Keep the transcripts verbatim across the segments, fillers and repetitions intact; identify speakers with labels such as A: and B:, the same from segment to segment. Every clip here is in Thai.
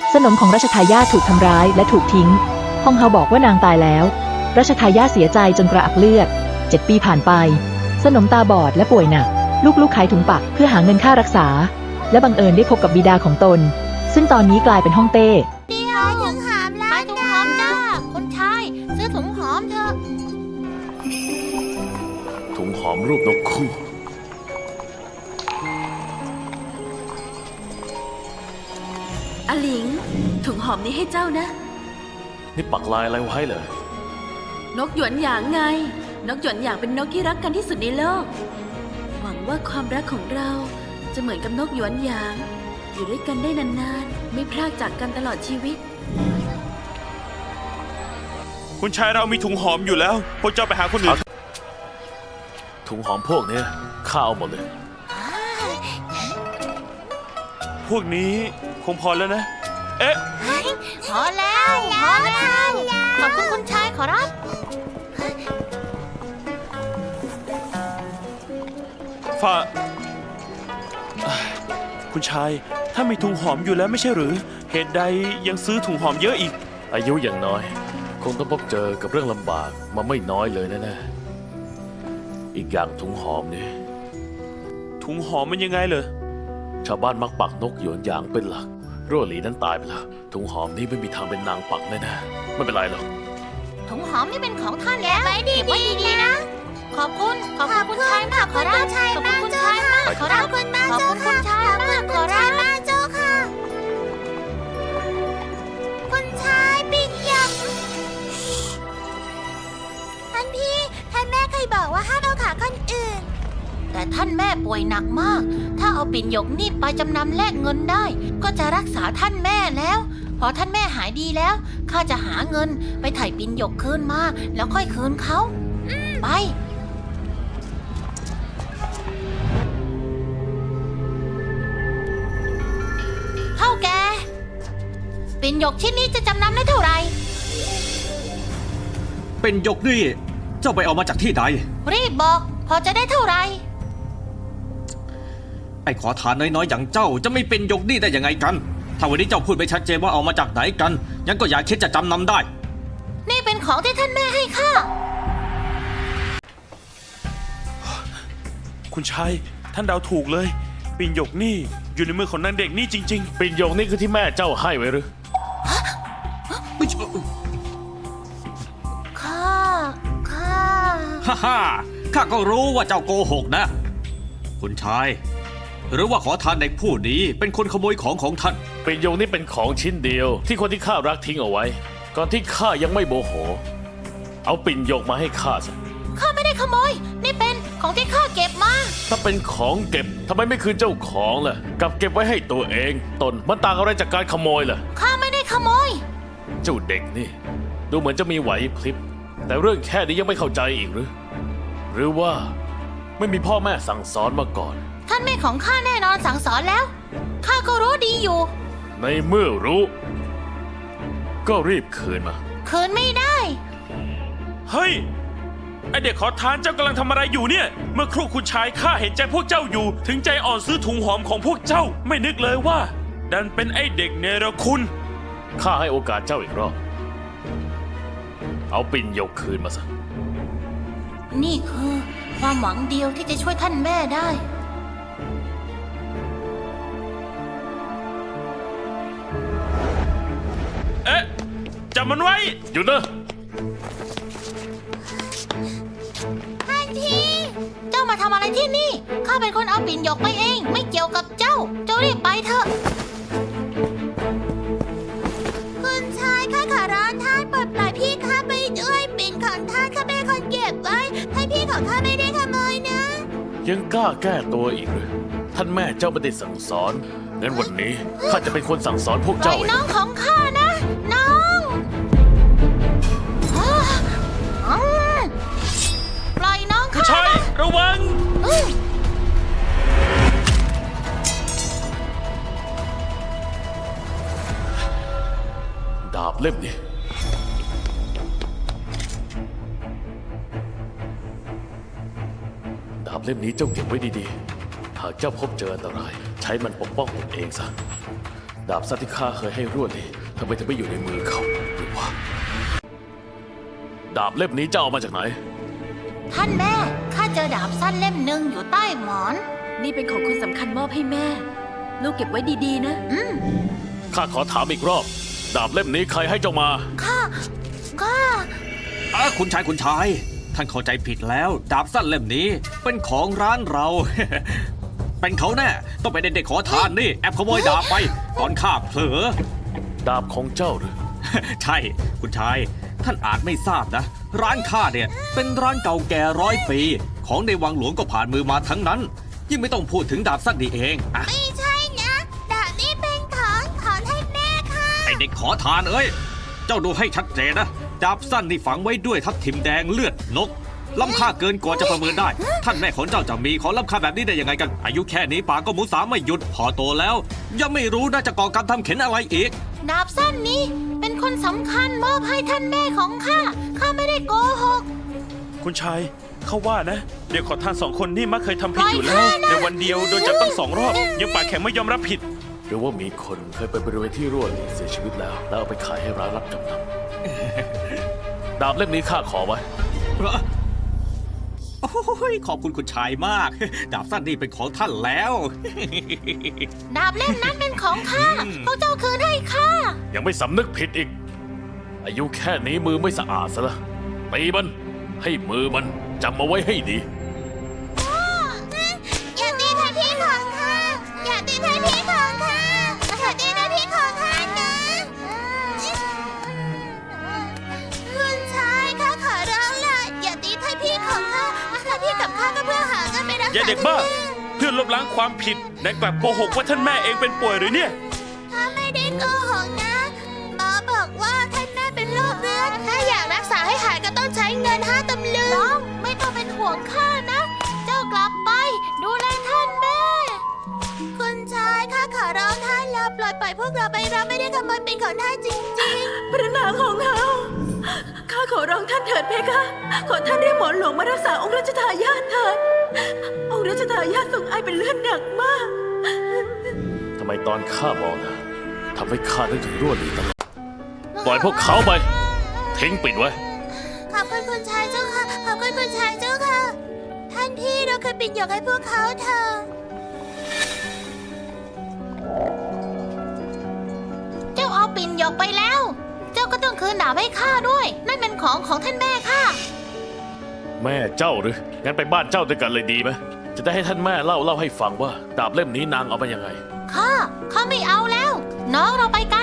A: สนมของรัชทายาทถูกทำร้ายและถูกทิ้งฮองเฮาบอกว่านางตายแล้วรัชทายาทเสียใจจนกระอักเลือดเจ็ดปีผ่านไปสนมตาบอดและป่วยหนักลูกๆขายถุงปักเพื่อหาเงินค่ารักษาและบังเอิญได้พบกับบิดาของตนซึ่งตอนนี้กลายเป็นฮ่องเต้
B: เดียวถุงหอมล้างถุงหอมจ้าคนชายซื้อถุงหอมเถอะ
C: ถุงหอมรูปนกคู่
D: อาหลิงถุงหอมนี้ให้เจ้านะ
C: นี่ปักลายอะไรไว้เหรอน
D: กหยวนหยางไงนกหยวนหยางเป็นนกที่รักกันที่สุดในโลกหวังว่าความรักของเราจะเหมือนกับนกหยวนหยางอยู่ด้วยกันได้นานๆไม่พรากจากกันตลอดชีวิต
E: คุณชายเรามีถุงหอมอยู่แล้วพวกเจ้าไปหาคนอื่น
C: ถุงหอมพวกนี้ข้าเอาหมดเลย
E: พวกนี้คงพอแล้วนะเอ๊ะ
B: พอแล้วพอแล้วขอบคุณคุณชายขอรับ
E: ฝ่าคุณชายถ้ามีถุงหอมอยู่แล้วไม่ใช่หรือเหตุใดยังซื้อถุงหอมเยอะอีก
C: อายุอย่างน้อยคงต้องพบเจอกับเรื่องลำบากมาไม่น้อยเลยแน่ๆอีกอย่างถุงหอมนี่
E: ถุงหอมมันยังไงเหรอ
C: ชาวบ้านมักปักนกหยวนหยางเป็นหลักรั่วหลีนั้นตายไปแล้วถุงหอมนี่ไม่มีทางเป็นนางปักแน่ๆไม่เป็นไรหรอก
B: ถุงหอมนี่เป็นของท่านแล้วเก็บไว้ดีๆนะขอบคุณขอบคุณคุณชายมากขอรับขอบคุณคุณชายมากขอรับขอบคุณคุณชายมากขอรับเจ้าค่ะคุณชายปิ่นหยกท่านพี่ท่านแม่เคยบอกว่าห้ามเอาขาคนอื่นแต่ท่านแม่ป่วยหนักมากถ้าเอาปิ่นหยกนี่ไปจำนำแลกเงินได้ก็จะรักษาท่านแม่แล้วพอท่านแม่หายดีแล้วข้าจะหาเงินไปไถ่ปิ่นหยกคืนมาแล้วค่อยคืนเขาไปเท่าแกปิ่นหยกชิ้นนี้จะจำนำได้เท่าไหร่
F: เป็นหยกนี่เจ้าไปเอามาจากที่ใด
B: รีบบอกพอจะได้เท่าไหร่
F: ไอ้ขอทานน้อยๆอย่างเจ้าจะไม่เป็นหยกนี่ได้ยังไงกันถ้าวันนี้เจ้าพูดไม่ชัดเจนว่าเอามาจากไหนกันยังก็อย่าคิดจะจำนำได้
B: นี่เป็นของที่ท่านแม่ให้ข้า
E: คุณชายท่านเดาถูกเลยปิ่นหยกนี่อยู่ในมือของนางเด็กนี่จริง
C: ๆปิ่นหยกนี่คือที่แม่เจ้าให้ไว้หรือ
F: ไม่ใช่
B: ข้าข้า
F: ฮ่าฮ่าข้าก็รู้ว่าเจ้าโกหกนะคุณชายหรือว่าขอทานเด็กผู้นี้เป็นคนขโมยของของท่าน
C: ปิ่นหยกนี่เป็นของชิ้นเดียวที่คนที่ข้ารักทิ้งเอาไว้ก่อนที่ข้ายังไม่โมโหเอาปิ่นหยกมาให้ข้าซะ
B: ข้าไม่ได้ขโมยนี่เป็นของที่ข้าเก็บมา
C: ถ้าเป็นของเก็บทำไมไม่คืนเจ้าของล่ะกลับเก็บไว้ให้ตัวเองตนมันต่างอะไรจากการขโมยล่ะ
B: ข้าไม่ได้ขโมย
C: เจ้าเด็กนี่ดูเหมือนจะมีไหวพริบแต่เรื่องแค่นี้ยังไม่เข้าใจอีกหรือหรือว่าไม่มีพ่อแม่สั่งสอนมาก่อน
B: ท่านแม่ของข้าแน่นอนสั่งสอนแล้วข้าก็รู้ดีอยู่
C: ในเมื่อรู้ก็รีบคืนมา
B: คืนไม่ได้
E: เฮ้ยไอเด็กขอทานเจ้ากำลังทำอะไรอยู่เนี่ยเมื่อครู่คุณชายข้าเห็นใจพวกเจ้าอยู่ถึงใจอ่อนซื้อถุงหอมของพวกเจ้าไม่นึกเลยว่าดันเป็นไอเด็กเนรคุณ
C: ข้าให้โอกาสเจ้าอีกรอบเอาปิ่นหยกคืนมาซะ
B: นี่คือความหวังเดียวที่จะช่วยท่านแม่ได้
E: เอ๊ะจับมันไว้
C: หยุดนะ
B: ท่านพี่เจ้ามาทำอะไรที่นี่ข้าเป็นคนเอาปิ่นหยกไปเองไม่เกี่ยวกับเจ้าเจ้ารีบไปเถอะคุณชายข้าขอร้องท่านปลดปล่อยพี่ข้าไปด้วยปิ่นของท่านข้าเป็นคนเก็บไว้ท่านพี่ของข้าไม่ได้ขโมยนะ
C: ยังกล้าแก้ตัวอีกหรือท่านแม่เจ้าไม่ได้สั่งสอนงั้นวันนี้ข้าจะเป็นคนสั่งสอนพวกเจ้าเอง
B: น้องของข้านะน้องปล่อยน้องข้า
E: คุณชายระวัง
C: ดาบเล่มนี้ดาบเล่มนี้เจ้าเก็บไว้ดีๆหากเจ้าพบเจออันตรายใช้มันปกป้องตนเองซะดาบสั้นที่ข้าเคยให้รวดนี่ทำไมถึงไม่อยู่ในมือเขาหรือว่าดาบเล่มนี้เจ้าเอามาจากไหน
B: ท่านแม่ข้าเจอดาบสั้นเล่มหนึ่งอยู่ใต้หมอน
D: นี่เป็นของคนสำคัญมอบให้แม่ ลูกเก็บไว้ดีๆนะ
B: อืม
C: ข้าขอถามอีกรอบ ดาบเล่มนี้ใครให้เจ้ามา
B: ข้าข้า
F: อ่ะคุณชายคุณชาย ท่านเข้าใจผิดแล้ว ดาบสั้นเล่มนี้เป็นของร้านเรา เป็นเขาแน่ต้องเป็นเด็กๆขอทานนี่แอบขโมยดาบไป ตอนข้าเผลอ
C: ดาบของเจ้าหรือ
F: ใช่ คุณชาย ท่านอาจไม่ทราบนะ ร้านข้าเนี่ย เป็นร้านเก่าแก่ร้อยปี ของในวังหลวงก็ผ่านมือมาทั้งนั้น ยิ่งไม่ต้องพูดถึงดาบสั้นนี่เองอะ
B: ไม่ใช่นะดาบนี้เป็นของของท่านแม่ค่ะ
F: ไอเด็กขอทานเอ้ย เจ้าดูให้ชัดเจนนะ ดาบสั้นนี่ฝังไว้ด้วยทับทิมแดงเลือดนก ล้ำค่าเกินกว่าจะประเมินได้ ท่านแม่ของเจ้าจะมีของล้ำค่าแบบนี้ได้ยังไงกัน อายุแค่นี้ปากก็หมูสามไม่หยุด พอโตแล้ว ยังไม่รู้น่าจะก่อกรรมทำเข็นอะไรอีก
B: ดาบสั้นนี้เป็นคนสำคัญมอบให้ท่านแม่ของข้า ข้าไม่ได้โกหก
E: คุณชายเขาว่านะ เด็กขอทานสองคนนี่มักเคยทำผิด
B: ปล่อย
E: อยู่แล้ว
B: ข้านะ
E: ในวันเดียวโดนจับตั้งสองรอบ ยังปากแข็งไม่ยอมรับผิด
C: หรือว่ามีคนเคยไปบริเวณที่รั่วนี่เสียชีวิตแล้ว แล้วเอาไปขายให้ร้านรับจำนำ ดาบเล่มนี้ข้าขอไว้
F: โอ้ยขอบคุณคุณชายมาก ดาบสั้นนี่เป็นของท่านแล้ว
B: ดาบเล่มนั้นเป็นของข้า
F: อืม
B: พวกเจ้าคืนให้ข้า
C: ยังไม่สำนึกผิดอีก อายุแค่นี้มือไม่สะอาดซะละตีมัน ให้มือมันจำมาไว้ให้ดี
B: อย่าตีท่านพี่ของข้า อย่าตีท่านพี่ของข้า อย่าตีท่านพี่ของข้านะ คุณชายข้าขอร้องล่ะอย่าตีท่านพี่ของข้าท่านพี่กับข้าก็เพื่อหาเงินไปรักษา
E: อย่าเด็กบ้า เพื่อลบล้างความผิดแต่กลับโกหกว่าท่านแม่เองเป็นป่วยหรือเนี่ย
B: ข้าไม่ได้โกหกนะหมอบอกว่าท่านแม่เป็นโรคเรื้อนถ้าอยากรักษาให้หายก็ต้องใช้เงินห้าตำลึงน้องไม่ต้องเป็นห่วงข้านะ เจ้ากลับไป ดูแลท่านแม่ คุณชายข้าขอร้องท่านแล้วปล่อยปล่อยพวกเราไปเราไม่ได้ขโมยเป็นของท่านจริง
D: พระนางของเฮาข้าขอร้องท่านเถิดเพคะ ขอท่านเรียกหมอหลวงมารักษาองค์รัชทายาทเถิด องค์รัชทายาททรงไอเป็นเลือดหนักมาก
C: ทำไมตอนข้ามองนะทำให้ข้านึกถึงรั่วหลีตลอด
B: ๆ
C: ปล่อยพวกเขาไป ทิ้งปิดไว้
B: ขอบคุณคุณชายเจ้าค่ะ ขอบคุณคุณชายเจ้าค่ะ ท่านพี่เราเคยปิดหยกให้พวกเขาเถอะเจ้าเอาปิ่นหยกไปแล้ว เจ้าก็ต้องคืนดาบให้ข้าด้วย นั่นเป็นของของท่านแม่ข้า
C: แม่เจ้าหรือ งั้นไปบ้านเจ้าด้วยกันเลยดีไหมจะได้ให้ท่านแม่เล่าเล่าให้ฟังว่า ดาบเล่มนี้นางเอามายังไง
B: ข้า ข้าไม่เอาแล้ว น้องเราไปกัน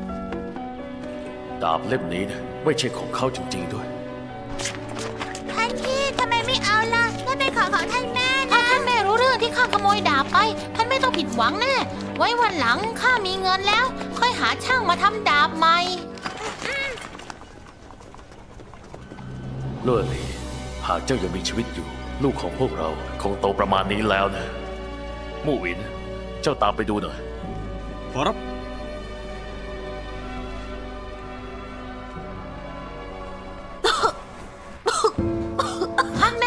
C: ดาบเล่มนี้นะไม่ใช่ของเขาจริงๆด้วย
B: ท่านพี่ทำไมไม่เอาล่ะนั่นเป็นของของท่านแม่นะถ้าท่านแม่รู้เรื่องที่ข้าขโมยดาบไป ท่านไม่ต้องผิดหวังแน่ ไว้วันหลังข้ามีเงินแล้ว ค่อยหาช่างมาทำดาบใหม่
C: เลื่อหลีหากเจ้ายังมีชีวิตอยู่ ลูกของพวกเราคงโตประมาณนี้แล้วนะ มู่หวิน เจ้าตามไปดูหน่อย
F: ขอรับ
B: ท่านแม่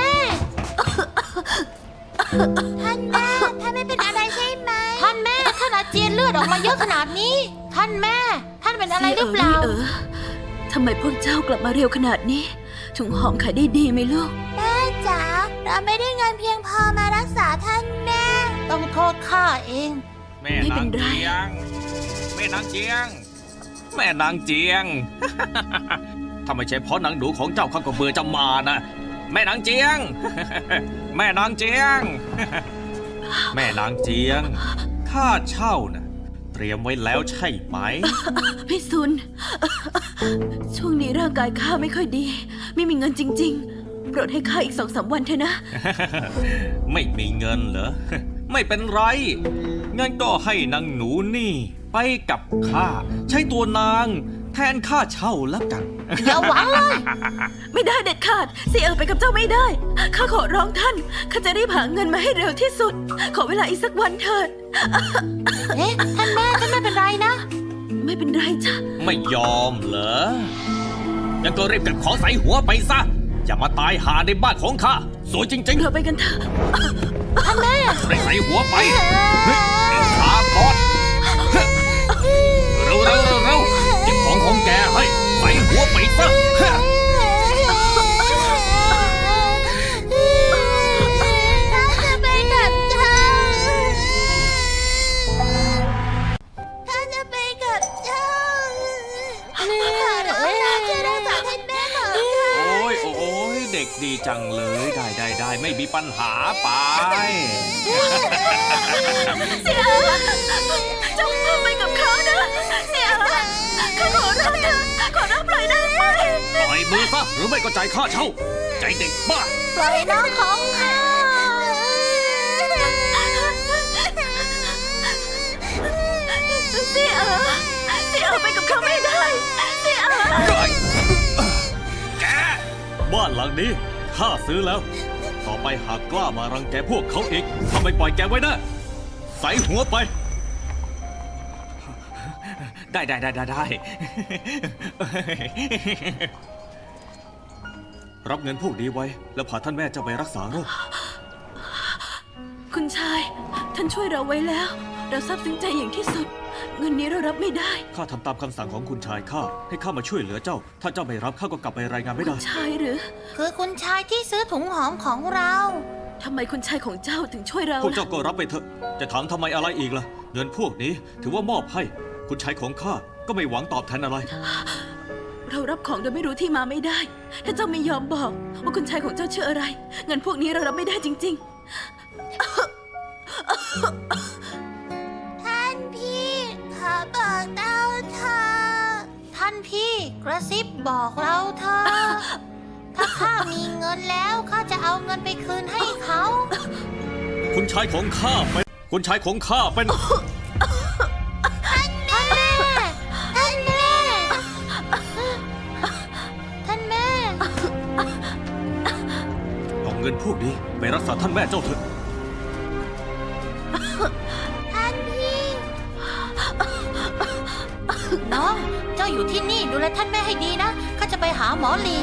B: ท่านแม่ ท่านไม่เป็นอะไรใช่ไหม ท่านแม่ ท่านอาเจียนเลือดออกมาเยอะขนาดนี้ ท่านแม่ ท่านเป็นอะไรหรือเปล่า
D: เออทำไมพวกเจ้ากลับมาเร็วขนาดนี้ ถุงหอมขายได้ดีไหมลูก
B: แม่จ๋า เราไม่ได้เงินเพียงพอมารักษาท่านแม่ ต้องโทษข้าเอง
F: แม่
D: ไม่
F: นา
D: เป็
F: ง
D: นไร
F: เจียง แม่นางเจียง แม่นางเจียง ถ้าไม่ใช่เพราะนางหนูของเจ้าข้าก็เบื่อจะมานะ แม่นางเจียง แม่นางเจียง แม่นางเจียง ค่าเช่านะเตรียมไว้แล้วใช่ไหม
D: พี่ซุน ช่วงนี้ร่างกายข้าไม่ค่อยดี ไม่มีเงินจริง ๆ โปรดให้ข้าอีกสองสามวันเถอะนะ
F: ไม่มีเงินเหรอ ไม่เป็นไร งั้นก็ให้นางหนูนี่ ไปกับข้า ใช้ตัวนาง แทนค่าเช่าแล้วกัน
B: อย่าหวังเลย
D: ไม่ได้เด็ดขาดเสียเออไปกับเจ้าไม่ได้ ข้าขอร้องท่าน ข้าจะรีบหาเงินมาให้เร็วที่สุด ขอเวลาอีกสักวันเถิด
B: เอ๊ะ ท่านแม่ ท่านไม่เป็นไรนะ
D: ไม่เป็นไรจ้ะ
F: ไม่ยอมเหรอ งั้นก็รีบเก็บของใส่หัวไปซะ อย่ามาตายหาในบ้านของข้า สวยจริง
D: เราไปกันเถอะ
B: ท่านแม่
F: ๆรีบใส่หัวไป เฮ้ยขาพอด
B: ท่
F: เร็วเร็วเร็วเก็บของของแกให้ใส่หัวไปซะฮะ
B: ท่านจะไปกับฉันท่านจะไปกับฉันขอร้องนะช่วยรักษาท่านแม่ของฉัน
F: โอ้ยโอ้ยเด็กดีจังเลยได้ได้ได้ไม่มีปัญหาไป
D: เสียเจ้าไปกับเขานะเสียข้าขอร้องเธอขอร้องปล่อยนางไป
F: ปล่อยมือซะหรือไม่ก็จ่ายค่าเช่า ใจเด็กบ้า
B: ปล่อยน้องของข้า
D: เสียเสียไปกับเขาไม่ได้เสีย
F: แกบ้านหลังนี้ข้าซื้อแล้ว ต่อไปหากกล้ามารังแกพวกเขาอีกทำไมปล่อยแกไว้นะใส่หัวไป ได้ได้ได้ได้ได้ รับเงินพวกนี้ไว้ แล้วพาท่านแม่เจ้าไปรักษาโรค
D: คุณชายท่านช่วยเราไว้แล้ว เราซาบซึ้งใจอย่างที่สุด เงินนี้เรารับไม่ได้
F: ข้าทำตามคำสั่งของคุณชายข้าให้ข้ามาช่วยเหลือเจ้า ถ้าเจ้าไม่รับข้าก็กลับไปรายงานไม่ได้
D: ชายหรือ
B: คือคุณชายที่ซื้อถุงหอมของเรา
D: ทำไมคุณชายของเจ้าถึงช่วยเรา
F: พวกเจ้า
D: ล่ะ
F: ก็รับไปเถอะ จะถามทำไมอะไรอีกล่ะ เงินพวกนี้ถือว่ามอบให้ คุณชายของข้าก็ไม่หวังตอบแทนอะไร
D: เรารับของโดยไม่รู้ที่มาไม่ได้ ถ้าเจ้าไม่ยอมบอก ว่าคุณชายของเจ้าชื่ออะไร เงินพวกนี้เรารับไม่ได้จริง
B: ท่านพี่ขอบอกเต้าเธอท่านพี่กระซิบบอกเราเธอะถ้าข้ามีเงินแล้วข้าจะเอาเงินไปคืนให้เขา
F: คุณชายของข้าเป็น คุณชายของข้าเป็น
B: ท่านแม่ ท่านแม่ ท่านแม่
F: เอาเงินพวกนี้ไปรักษาท่านแม่เจ้าเถอะ
B: ท่านพี่ น้อง เจ้าอยู่ที่นี่ดูแลท่านแม่ให้ดีนะ ข้าจะไปหาหมอหลี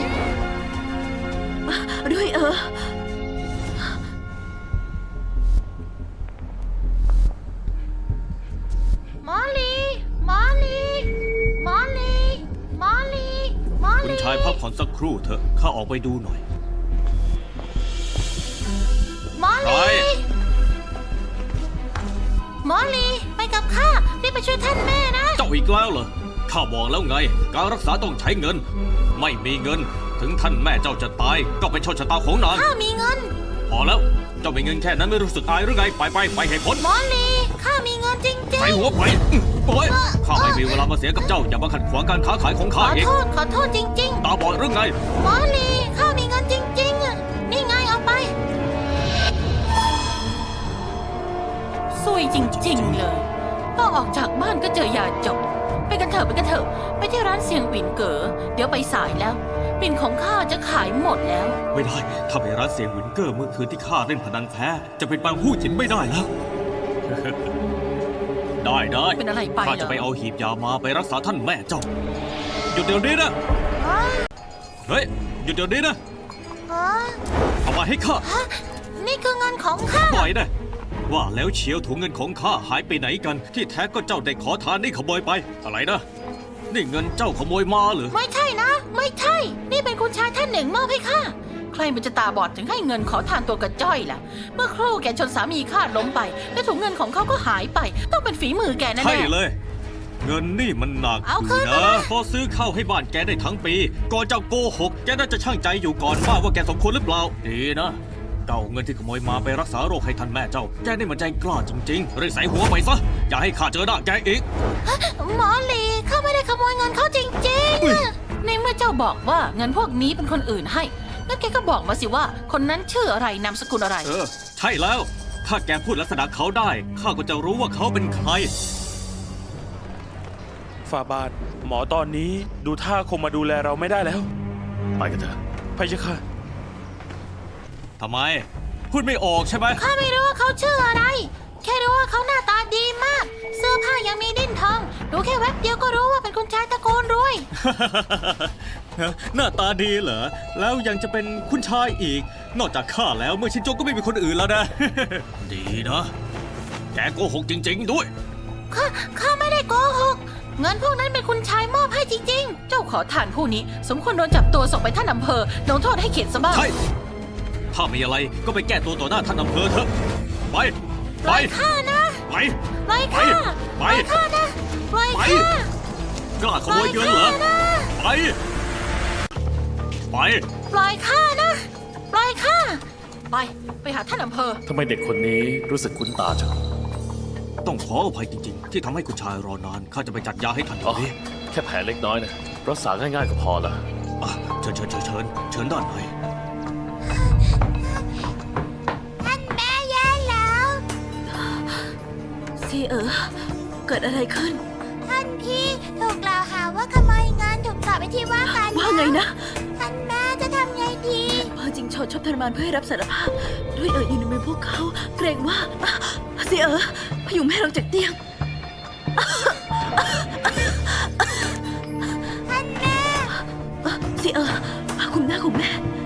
D: ๆ ด้วยเออ
B: หมอหลี หมอหลี หมอหลี หมอหลี หมอห
F: คุ
B: ลี
F: ณชายพักผ่อนสักครู่เถอะ ข้าออกไปดูหน่อย
B: หมอห
F: ไป
B: ลี หมอหลี ไปกับข้า รีบไปช่วยท่านแม่นะ
F: เจ้าอีกแล้วเหรอ ข้าบอกแล้วไง การรักษาต้องใช้เงิน ไม่มีเงิน ถึงท่านแม่เจ้าจะตาย ก็เป็นโชคชะตาของนาง
B: ข้ามีเงิน
F: พอแล้ว เจ้ามีเงินแค่นั้นไม่รู้สึกอายหรือไง ไปไปไปให้พ้น
B: หมอหลี ข้ามีเงินจริง
F: ใส่หัวไปอื้อโอ้ยข้าไม่มีเวลามาเสียกับเจ้า อย่ามาขัดขวางการค้าขายของ
B: ๆ ข
F: ข้า
B: อ
F: อีก
B: โทษ ขอโทษจริง
F: ตาบอดหรือไง
B: ๆ หมอหลี ข้ามีเงินจริงๆอะนี่ไงเอาไปซวยจริงๆเลยพอออกจากบ้านก็เจอยาจบ ไปกันเถอะไปกันเถอะ ไปที่ร้านเสียงหวินเก๋อ เดี๋ยวไปสายแล้ว ปิ่นของข้าจะขายหมดแล้ว
F: ไม่ได้ ถ้าไปร้านเสียงวินเกอร์เมื่อคืนที่ข้าเล่นพนันแพ้ จะเป็นบางผู้หญินไม่ได้แล้ว ได้ได้
B: เป็นอะไรไปเหรอ
F: ข้าจะไปเอาหีบยามาไปรักษาท่านแม่เจ้า หยุดเดี๋ยวนี้นะ เฮ้ย หยุดเดี๋ยวนี้นะ
B: อ๋อ
F: เอามาให้ข้า
B: ฮะนี่คือเงินของข้า
F: ปล่อยนะว่าแล้วเชียวถุงเงินของข้าหายไปไหนกัน ที่แท้ก็เจ้าเด็กขอทานนี่ขโมยไป อะไรนะ นี่เงินเจ้าขโมยมาเหรอ
B: ไม่ใช่นะ ไม่ใช่ นี่เป็นคุณชายท่านหนึ่งมอบให้ข้า ใครมันจะตาบอดถึงให้เงินขอทานตัวกระจ้อยล่ะ เมื่อครู่แกชนสามีข้าล้มไป และถุงเงินของเขาก็หายไป ต้องเป็นฝีมือแกแน่ๆ
F: ใช่เลย เงินนี่มันหนัก
B: เอา
F: อ
B: คื
F: ยู่
B: นมา
F: นะ
B: เลย
F: พอซื้อข้าวให้บ้านแกได้ทั้งปี ก่อนเจ้าโกหก แกน่าจะช่างใจอยู่ก่อนว่าว่าแกสมควรหรือเปล่า ดีนะเจ้าเงินที่ขโมยมาไปรักษาโรคให้ท่านแม่เจ้า แกนี่มันใจกล้าจริงๆรีบใส่หัวไปซะ อย่าให้ข้าเจอหน้าแกอีก
B: หมอหลีข้าไม่ได้ขโมยเงินเขาจริง
F: อุ๊ย
B: ๆ ในเมื่อเจ้าบอกว่าเงินพวกนี้เป็นคนอื่นให้งั้นแกก็บอกมาสิว่า คนนั้นชื่ออะไรนามสกุลอะไร
F: เออ ใช่แล้ว ถ้าแกพูดลักษณะเขาได้ ข้าก็จะรู้ว่าเขาเป็นใคร
E: ฝ่าบาท หมอตอนนี้ดูท่าคงมาดูแลเราไม่ได้แล้ว
C: ไปกันเถอะ
E: พะยะค่ะ
F: ทำไม พูดไม่ออกใช่ไหม
B: ข้าไม่รู้ว่าเขาชื่ออะไร แค่รู้ว่าเขาหน้าตาดีมาก เสื้อผ้ายังมีดิ้นทอง ดูแค่แวบเดียวก็รู้ว่าเป็นคุณชายตระกูลรวย
F: หน้าตาดีเหรอ แล้วยังจะเป็นคุณชายอีก นอกจากข้าแล้วเมื่อชินโจก็ไม่มีคนอื่นแล้วนะ ดีนะ แกโกหกจริง ๆ ด้วย
B: ข้า ข้าไม่ได้โกหกเงินพวกนั้นเป็นคุณชายมอบให้จริงๆ เจ้าขอทานผู้นี้สมควรโดนจับตัวส่งไปท่านอำเภอลงโทษให้เข็ดซะบ้าง
F: ใช่ ถ้ามีอะไรก็ไปแก้ตัวต่อหน้าท่านอำเภอเถอะ ไป
B: ป
F: ไป
B: ล่อยข้านะ
F: ไป
B: ปล่อยข้า
F: ไป
B: ปล่อยข้านะปล่อย
F: ไป
B: ข้าก
F: ล้าขโมยเงินเหรอ ไป ไป
B: ปล่อยข้านะ ปล่อยข้า ไป ไปหาท่านอำเภอ
C: ทำไมเด็กคนนี้รู้สึกคุ้นตาจัง
F: ต้องขออภัยจริงๆ ที่ทำให้คุณชายรอนาน ข้าจะไปจัดยาให้ท่านเดี๋
C: อ๋
F: ย
C: อ
F: วนี้
C: แค่แผลเล็กน้อยนะรักษาง่ายๆก็พอละ
F: อ่ะเชิญเชิญเชิญเชิญเชิญด้านใน
B: ท่านแม่แย่แล้ว
D: เสียเอ๋อเกิดอะไรขึ้น
B: ท่านพี่ถูกกล่าวหาว่าขโมยเงินถูกจับไปที่ว่าการ
D: ว่าไงนะ
B: ท่านแม่จะทำไงดี
D: พอจริงโชดชอบทรมานเพื่อให้รับสารภาพ ด้วยเอ๋ออยู่ในมือพวกเขา เกรงว่าอ่ะเสียเอ๋อพยุงแม่ลงจากเตียง
B: ท่านแม่
D: อ่ะเสียเอ๋อคุมหน้าคุมแม่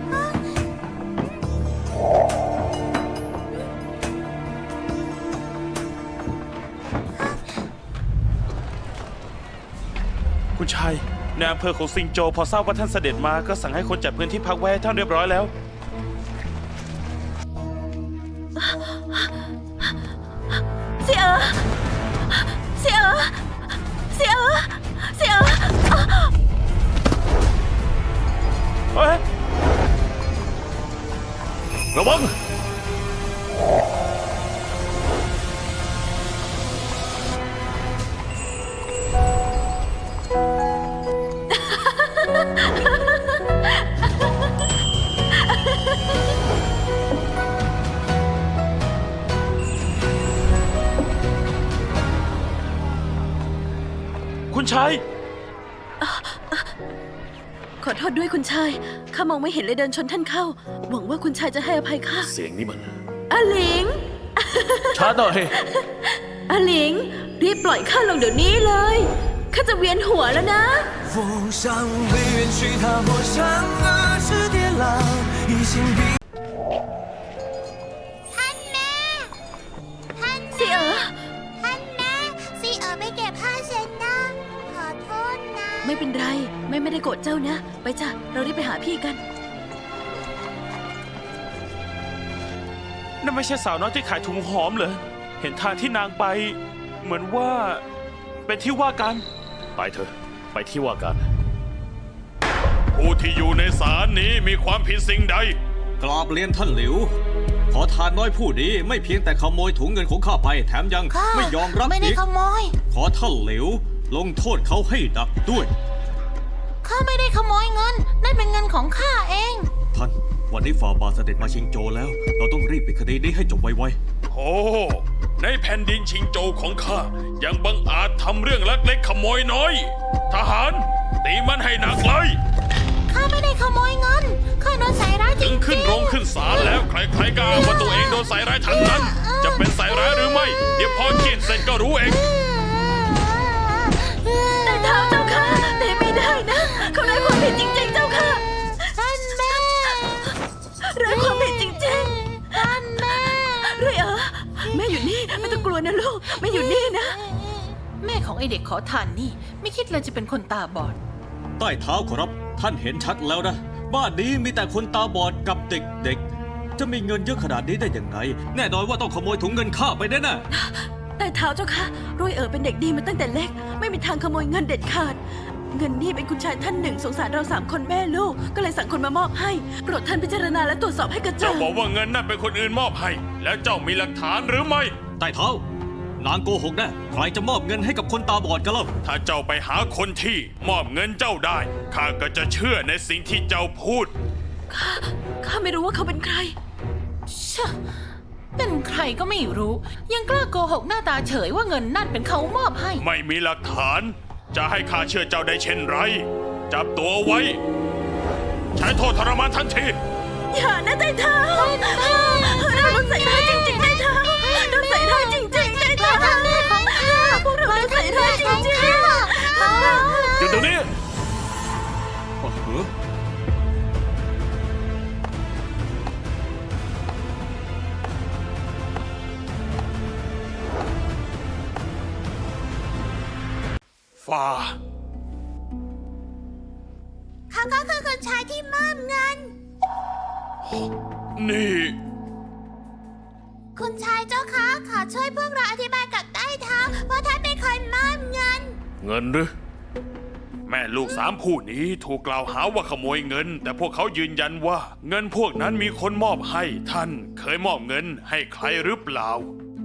E: คุณชายในอำเภอของซิงโจวพอทราบว่าท่านเสด็จมาก็สั่งให้คนจัดพื้นที่พักไว้ให้ท่านเรียบร้อยแล้ว
D: เสียเอ๋อเสียเอ๋อเสียเอ๋อเสียเอ๋อ
E: เฮ้ย
C: ระวัง
E: คุณชาย
D: ขอโทษด้วยคุณชาย ข้ามองไม่เห็นเลยเดินชนท่านเข้า หวังว่าคุณชายจะให้อภัยข้า
C: เสียงนี้มัน
D: อาหลิง
C: ช้าหน่อย
D: อาหลิง รีบปล่อยข้าลงเดี๋ยวนี้เลย ข้าจะเวียนหัวแล้วนะ
G: 浮上未远去，踏破山河是跌浪，一心比。
B: ท่านแม่ ท่าน
D: เสียเอ๋อ
B: ท่านแม่ซีเอ๋อไปเก็บผ้าเช็ดหน้า ขอโทษนะ
D: ไม่เป็นไรแม่ไม่ได้โกรธเจ้านะ ไปจ้ะ เรารีบไปหาพี่กัน
E: นั่นไม่ใช่สาวน้อยที่ขายถุงหอมเหรอ เห็นทางที่นางไป เหมือนว่า เป็นที่ว่ากัน
C: ไปเถอะ ไปที่ว่าการ
H: ผู้ที่อยู่ในศาลนี้มีความผิดสิ่งใด
F: กราบเรียนท่านหลิว ขอทานน้อยผู้นี้ไม่เพียงแต่ขโมยถุงเงินของข้าไป แถมยัง
B: ข้า
F: ไม่ยอมรับ
B: ไม่ได้
F: อีก
B: ขโมย
F: ขอท่านหลิว ลงโทษเขาให้หนักด้วย
B: ข้าไม่ได้ขโมยเงิน นั่นเป็นเงินของข้าเอง
F: ท่าน วันนี้ฝ่าบาทเสด็จมาชิงโจวแล้ว เราต้องรีบปิดคดีนี้ให้จบไว
H: โอ้ ในแผ่นดินชิงโจวของข้า ยังบังอาจทำเรื่องลักเล็กขโมยน้อย ทหาร ตีมันให้หนักเลย
B: ข้าไม่ได้ขโมยเงิน ข้าโดนใส่ร้ายจริ
H: ถึ
B: ง
H: งขึ้นโรงขึ้นศาลแล้ว ใครๆก็อ้างว่าตัวเองโดนใส่ร้ายทั้งนั้น จะเป็นใส่ร้ายหรือไม่ เดี๋ยวพอกินเสร็จก็รู้เอง
D: แต่เท้าเจ้าค่ะแต่ไม่ได้นะเขาไร้ความผิดจริงๆเจ้าค่ะ
B: ท่านแม่
D: ไร้ความผิดจริง
B: ท่านแม่
D: ๆด้วยเอ๋อแม่อยู่นี่ไม่ต้องกลัวนะลูกแม่อยู่นี่นะ
B: แม่ของไอเด็กขอทานนี่ ไม่คิดเลยจะเป็นคนตาบอด
F: ๆ ใต้เท้าขอรับ ท่านเห็นชัดแล้วนะ บ้านนี้มีแต่คนตาบอดกับเด็กๆ จะมีเงินเยอะขนาดนี้ได้ยังไง แน่นอนว่าต้องขโมยถุงเงินข้าไปแน่ๆ
D: แต่เท้าเจ้าค่ะรวยเอ๋อเป็นเด็กดีมาตั้งแต่เล็ก ไม่มีทางขโมยเงินเด็ดขาด เงินนี่เป็นคุณชายท่านหนึ่งสงสารเราสามคนแม่ลูก ก็เลยสั่งคนมามอบให้ โปรดท่านพิจารณาและตรวจสอบให้กระจ่า
H: เจ้าง บอกว่าเงินนั่นเป็นคนอื่นมอบให้ แล้วเจ้ามีหลักฐานหรือไม่
F: ใต้เท้า นางโกหกแน่ใครจะมอบเงินให้กับคนตาบอดกันเล่า
H: ถ้าเจ้าไปหาคนที่มอบเงินเจ้าได้ ข้าก็จะเชื่อในสิ่งที่เจ้าพูด
D: ข้าข้าไม่รู้ว่าเขาเป็นใคร
B: ชะเป็นใครก็ไม่รู้ ยังกล้าโกหกหน้าตาเฉยว่าเงินนั่นเป็นเขามอบให้
H: ไม่มีหลักฐาน จะให้ข้าเชื่อเจ้าได้เช่นไร จับตัวไว้ ใช้โทษทรมานทันที
D: อย่านะใจเท้าเราโดนใส่ร้ายจริงๆใจเท้าโดนใส่ร้ายจริงๆใจเท้าพวกเราโดนใส่ร้ายจริง
C: หยุดเดี๋ยวนี้
F: อ๋อเหรอ
H: ฝ่ป่า
B: เขาก็คือคนชายที่มอบเงิน
H: นี่
B: คุณชายเจ้าคะขอช่วยพวกเราอธิบายกับใต้เท้าว่าท่านเป็นคนมอบเงิน
C: เงินหรือ
H: แม่ลูกสามผู้นี้ถูกกล่าวหาว่าขโมยเงิน แต่พวกเขายืนยันว่า เงินพวกนั้นมีคนมอบให้ท่านเคยมอบเงินให้ใครหรือเปล่า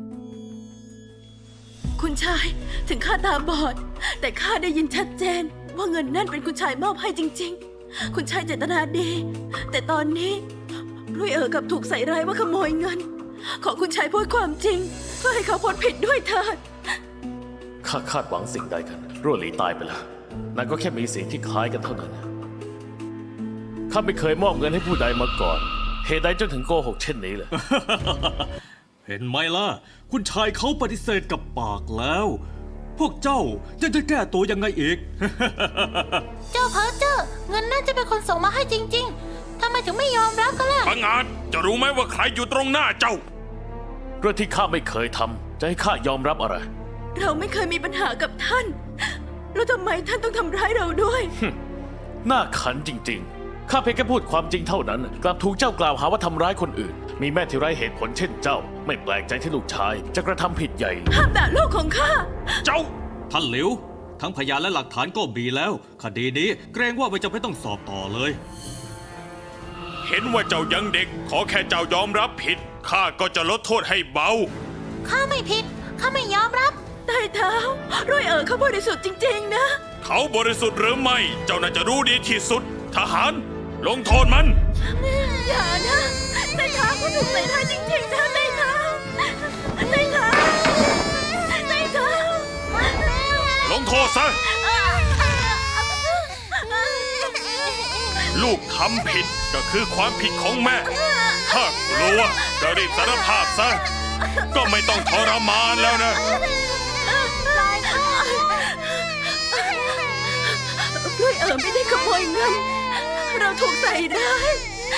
D: คุณชายถึงข้าตาบอด แต่ข้าได้ยินชัดเจน ว่าเงินนั่นเป็นคุณชายมอบให้จริง ๆ คุณชายเจตนาดี แต่ตอนนี้รุ่ยเอ๋อกลับถูกใส่ร้ายว่าขโมยเงิน ขอคุณชายพูดความจริง เพื่อให้เขาพ้นผิดด้วยเถิด
C: ข้าคาดหวังสิ่งใดกันรั่วหลีตายไปแล้วนายก็แค่มีสิ่งที่คล้ายกันเท่านั้น ข้าไม่เคยมอบเงินให้ผู้ใดมาก่อน เหตุใดจนถึงโกหกเช่นนี้เลย
F: เห็นไหมล่ะ คุณชายเขาปฏิเสธกับปากแล้ว พวกเจ้าจะจะแก้ตัวยังไงอีก
B: เจ้าเพอเจอร์เงินนั่นจะเป็นคนส่งมาให้จริง ๆทำไมถึงไม่ยอมรับกันล่ะ
H: บังอาจจะรู้ไหมว่าใครอยู่ตรงหน้าเจ้า
C: เรื่องที่ข้าไม่เคยทำจะให้ข้ายอมรับอะไร
D: เราไม่เคยมีปัญหากับท่าน แล้วทำไมท่านต้องทำร้ายเราด้วย
C: น่าขันจริงๆ ข้าเพียงแค่พูดความจริงเท่านั้น กลับถูกเจ้ากล่าวหาว่าทำร้ายคนอื่น มีแม่ที่ไร้เหตุผลเช่นเจ้า ไม่แปลกใจที่ลูกชายจะกระทำผิดใหญ่เลย
D: ห้ามด่าลูกของข้า
H: เจ้า
F: ท่านหลิว ทั้งพยานและหลักฐานก็มีแล้ว คดีนี้เกรงว่าไม่จำเป็นต้องสอบต่อเลย
H: เห็นว่าเจ้ายังเด็ก ขอแค่เจ้ายอมรับผิดข้าก็จะลดโทษให้เบา
B: ข้าไม่ผิด ข้าไม่ยอมรับ
D: ใต้เท้ารุ่ยเอ๋อเขาบริสุทธิ์จริง ๆ นะ
H: เขาบริสุทธิ์หรือไม่ เจ้าน่าจะรู้ดีที่สุด ทหาร ลงโทษมัน
D: อย่านะใต้เท้าเขาถูกใส่ร้ายจริงๆนะใต้เท้าใต้เท้าใต้เท้า
H: ลงโทษซะ ลูกทำผิดก็คือความผิดของแม่ ถ้ากลัวก็รีบสารภาพซะ ก็ไม่ต้องทรมานแล้วนะ
D: รุ่ยเอ๋อไม่ได้ขโมยเงิน เราถูกใส่ร้าย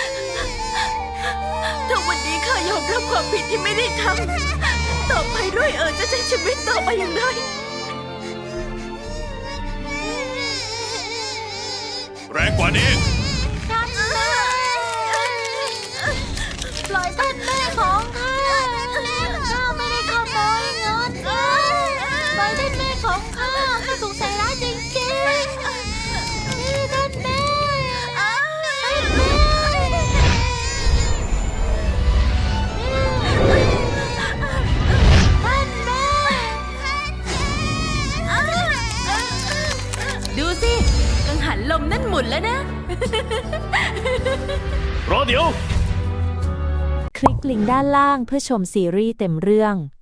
D: ถ้าวันนี้ข้ายอมรับความผิดที่ไม่ได้ทำต่อไปรุ่ยเอ๋อจะใช้ชีวิตต่อไปอย่างไร
H: แรงกว่านี้
B: ท่านแม่ปล่อยท่านแม่ของข้าข้าไม่ได้ขโมยเงินปล่อยท่านแม่ของข้าข้าถูกใส่ร้ายจริงๆนี่ท่านแม่ท่านแม่ท่านแม่
D: ดูสิ กังหันลมนั่นหมุนแล้วนะ
C: รอเดี๋ยว
I: คลิกลิงก์ด้านล่างเพื่อชมซีรีส์เต็มเรื่อง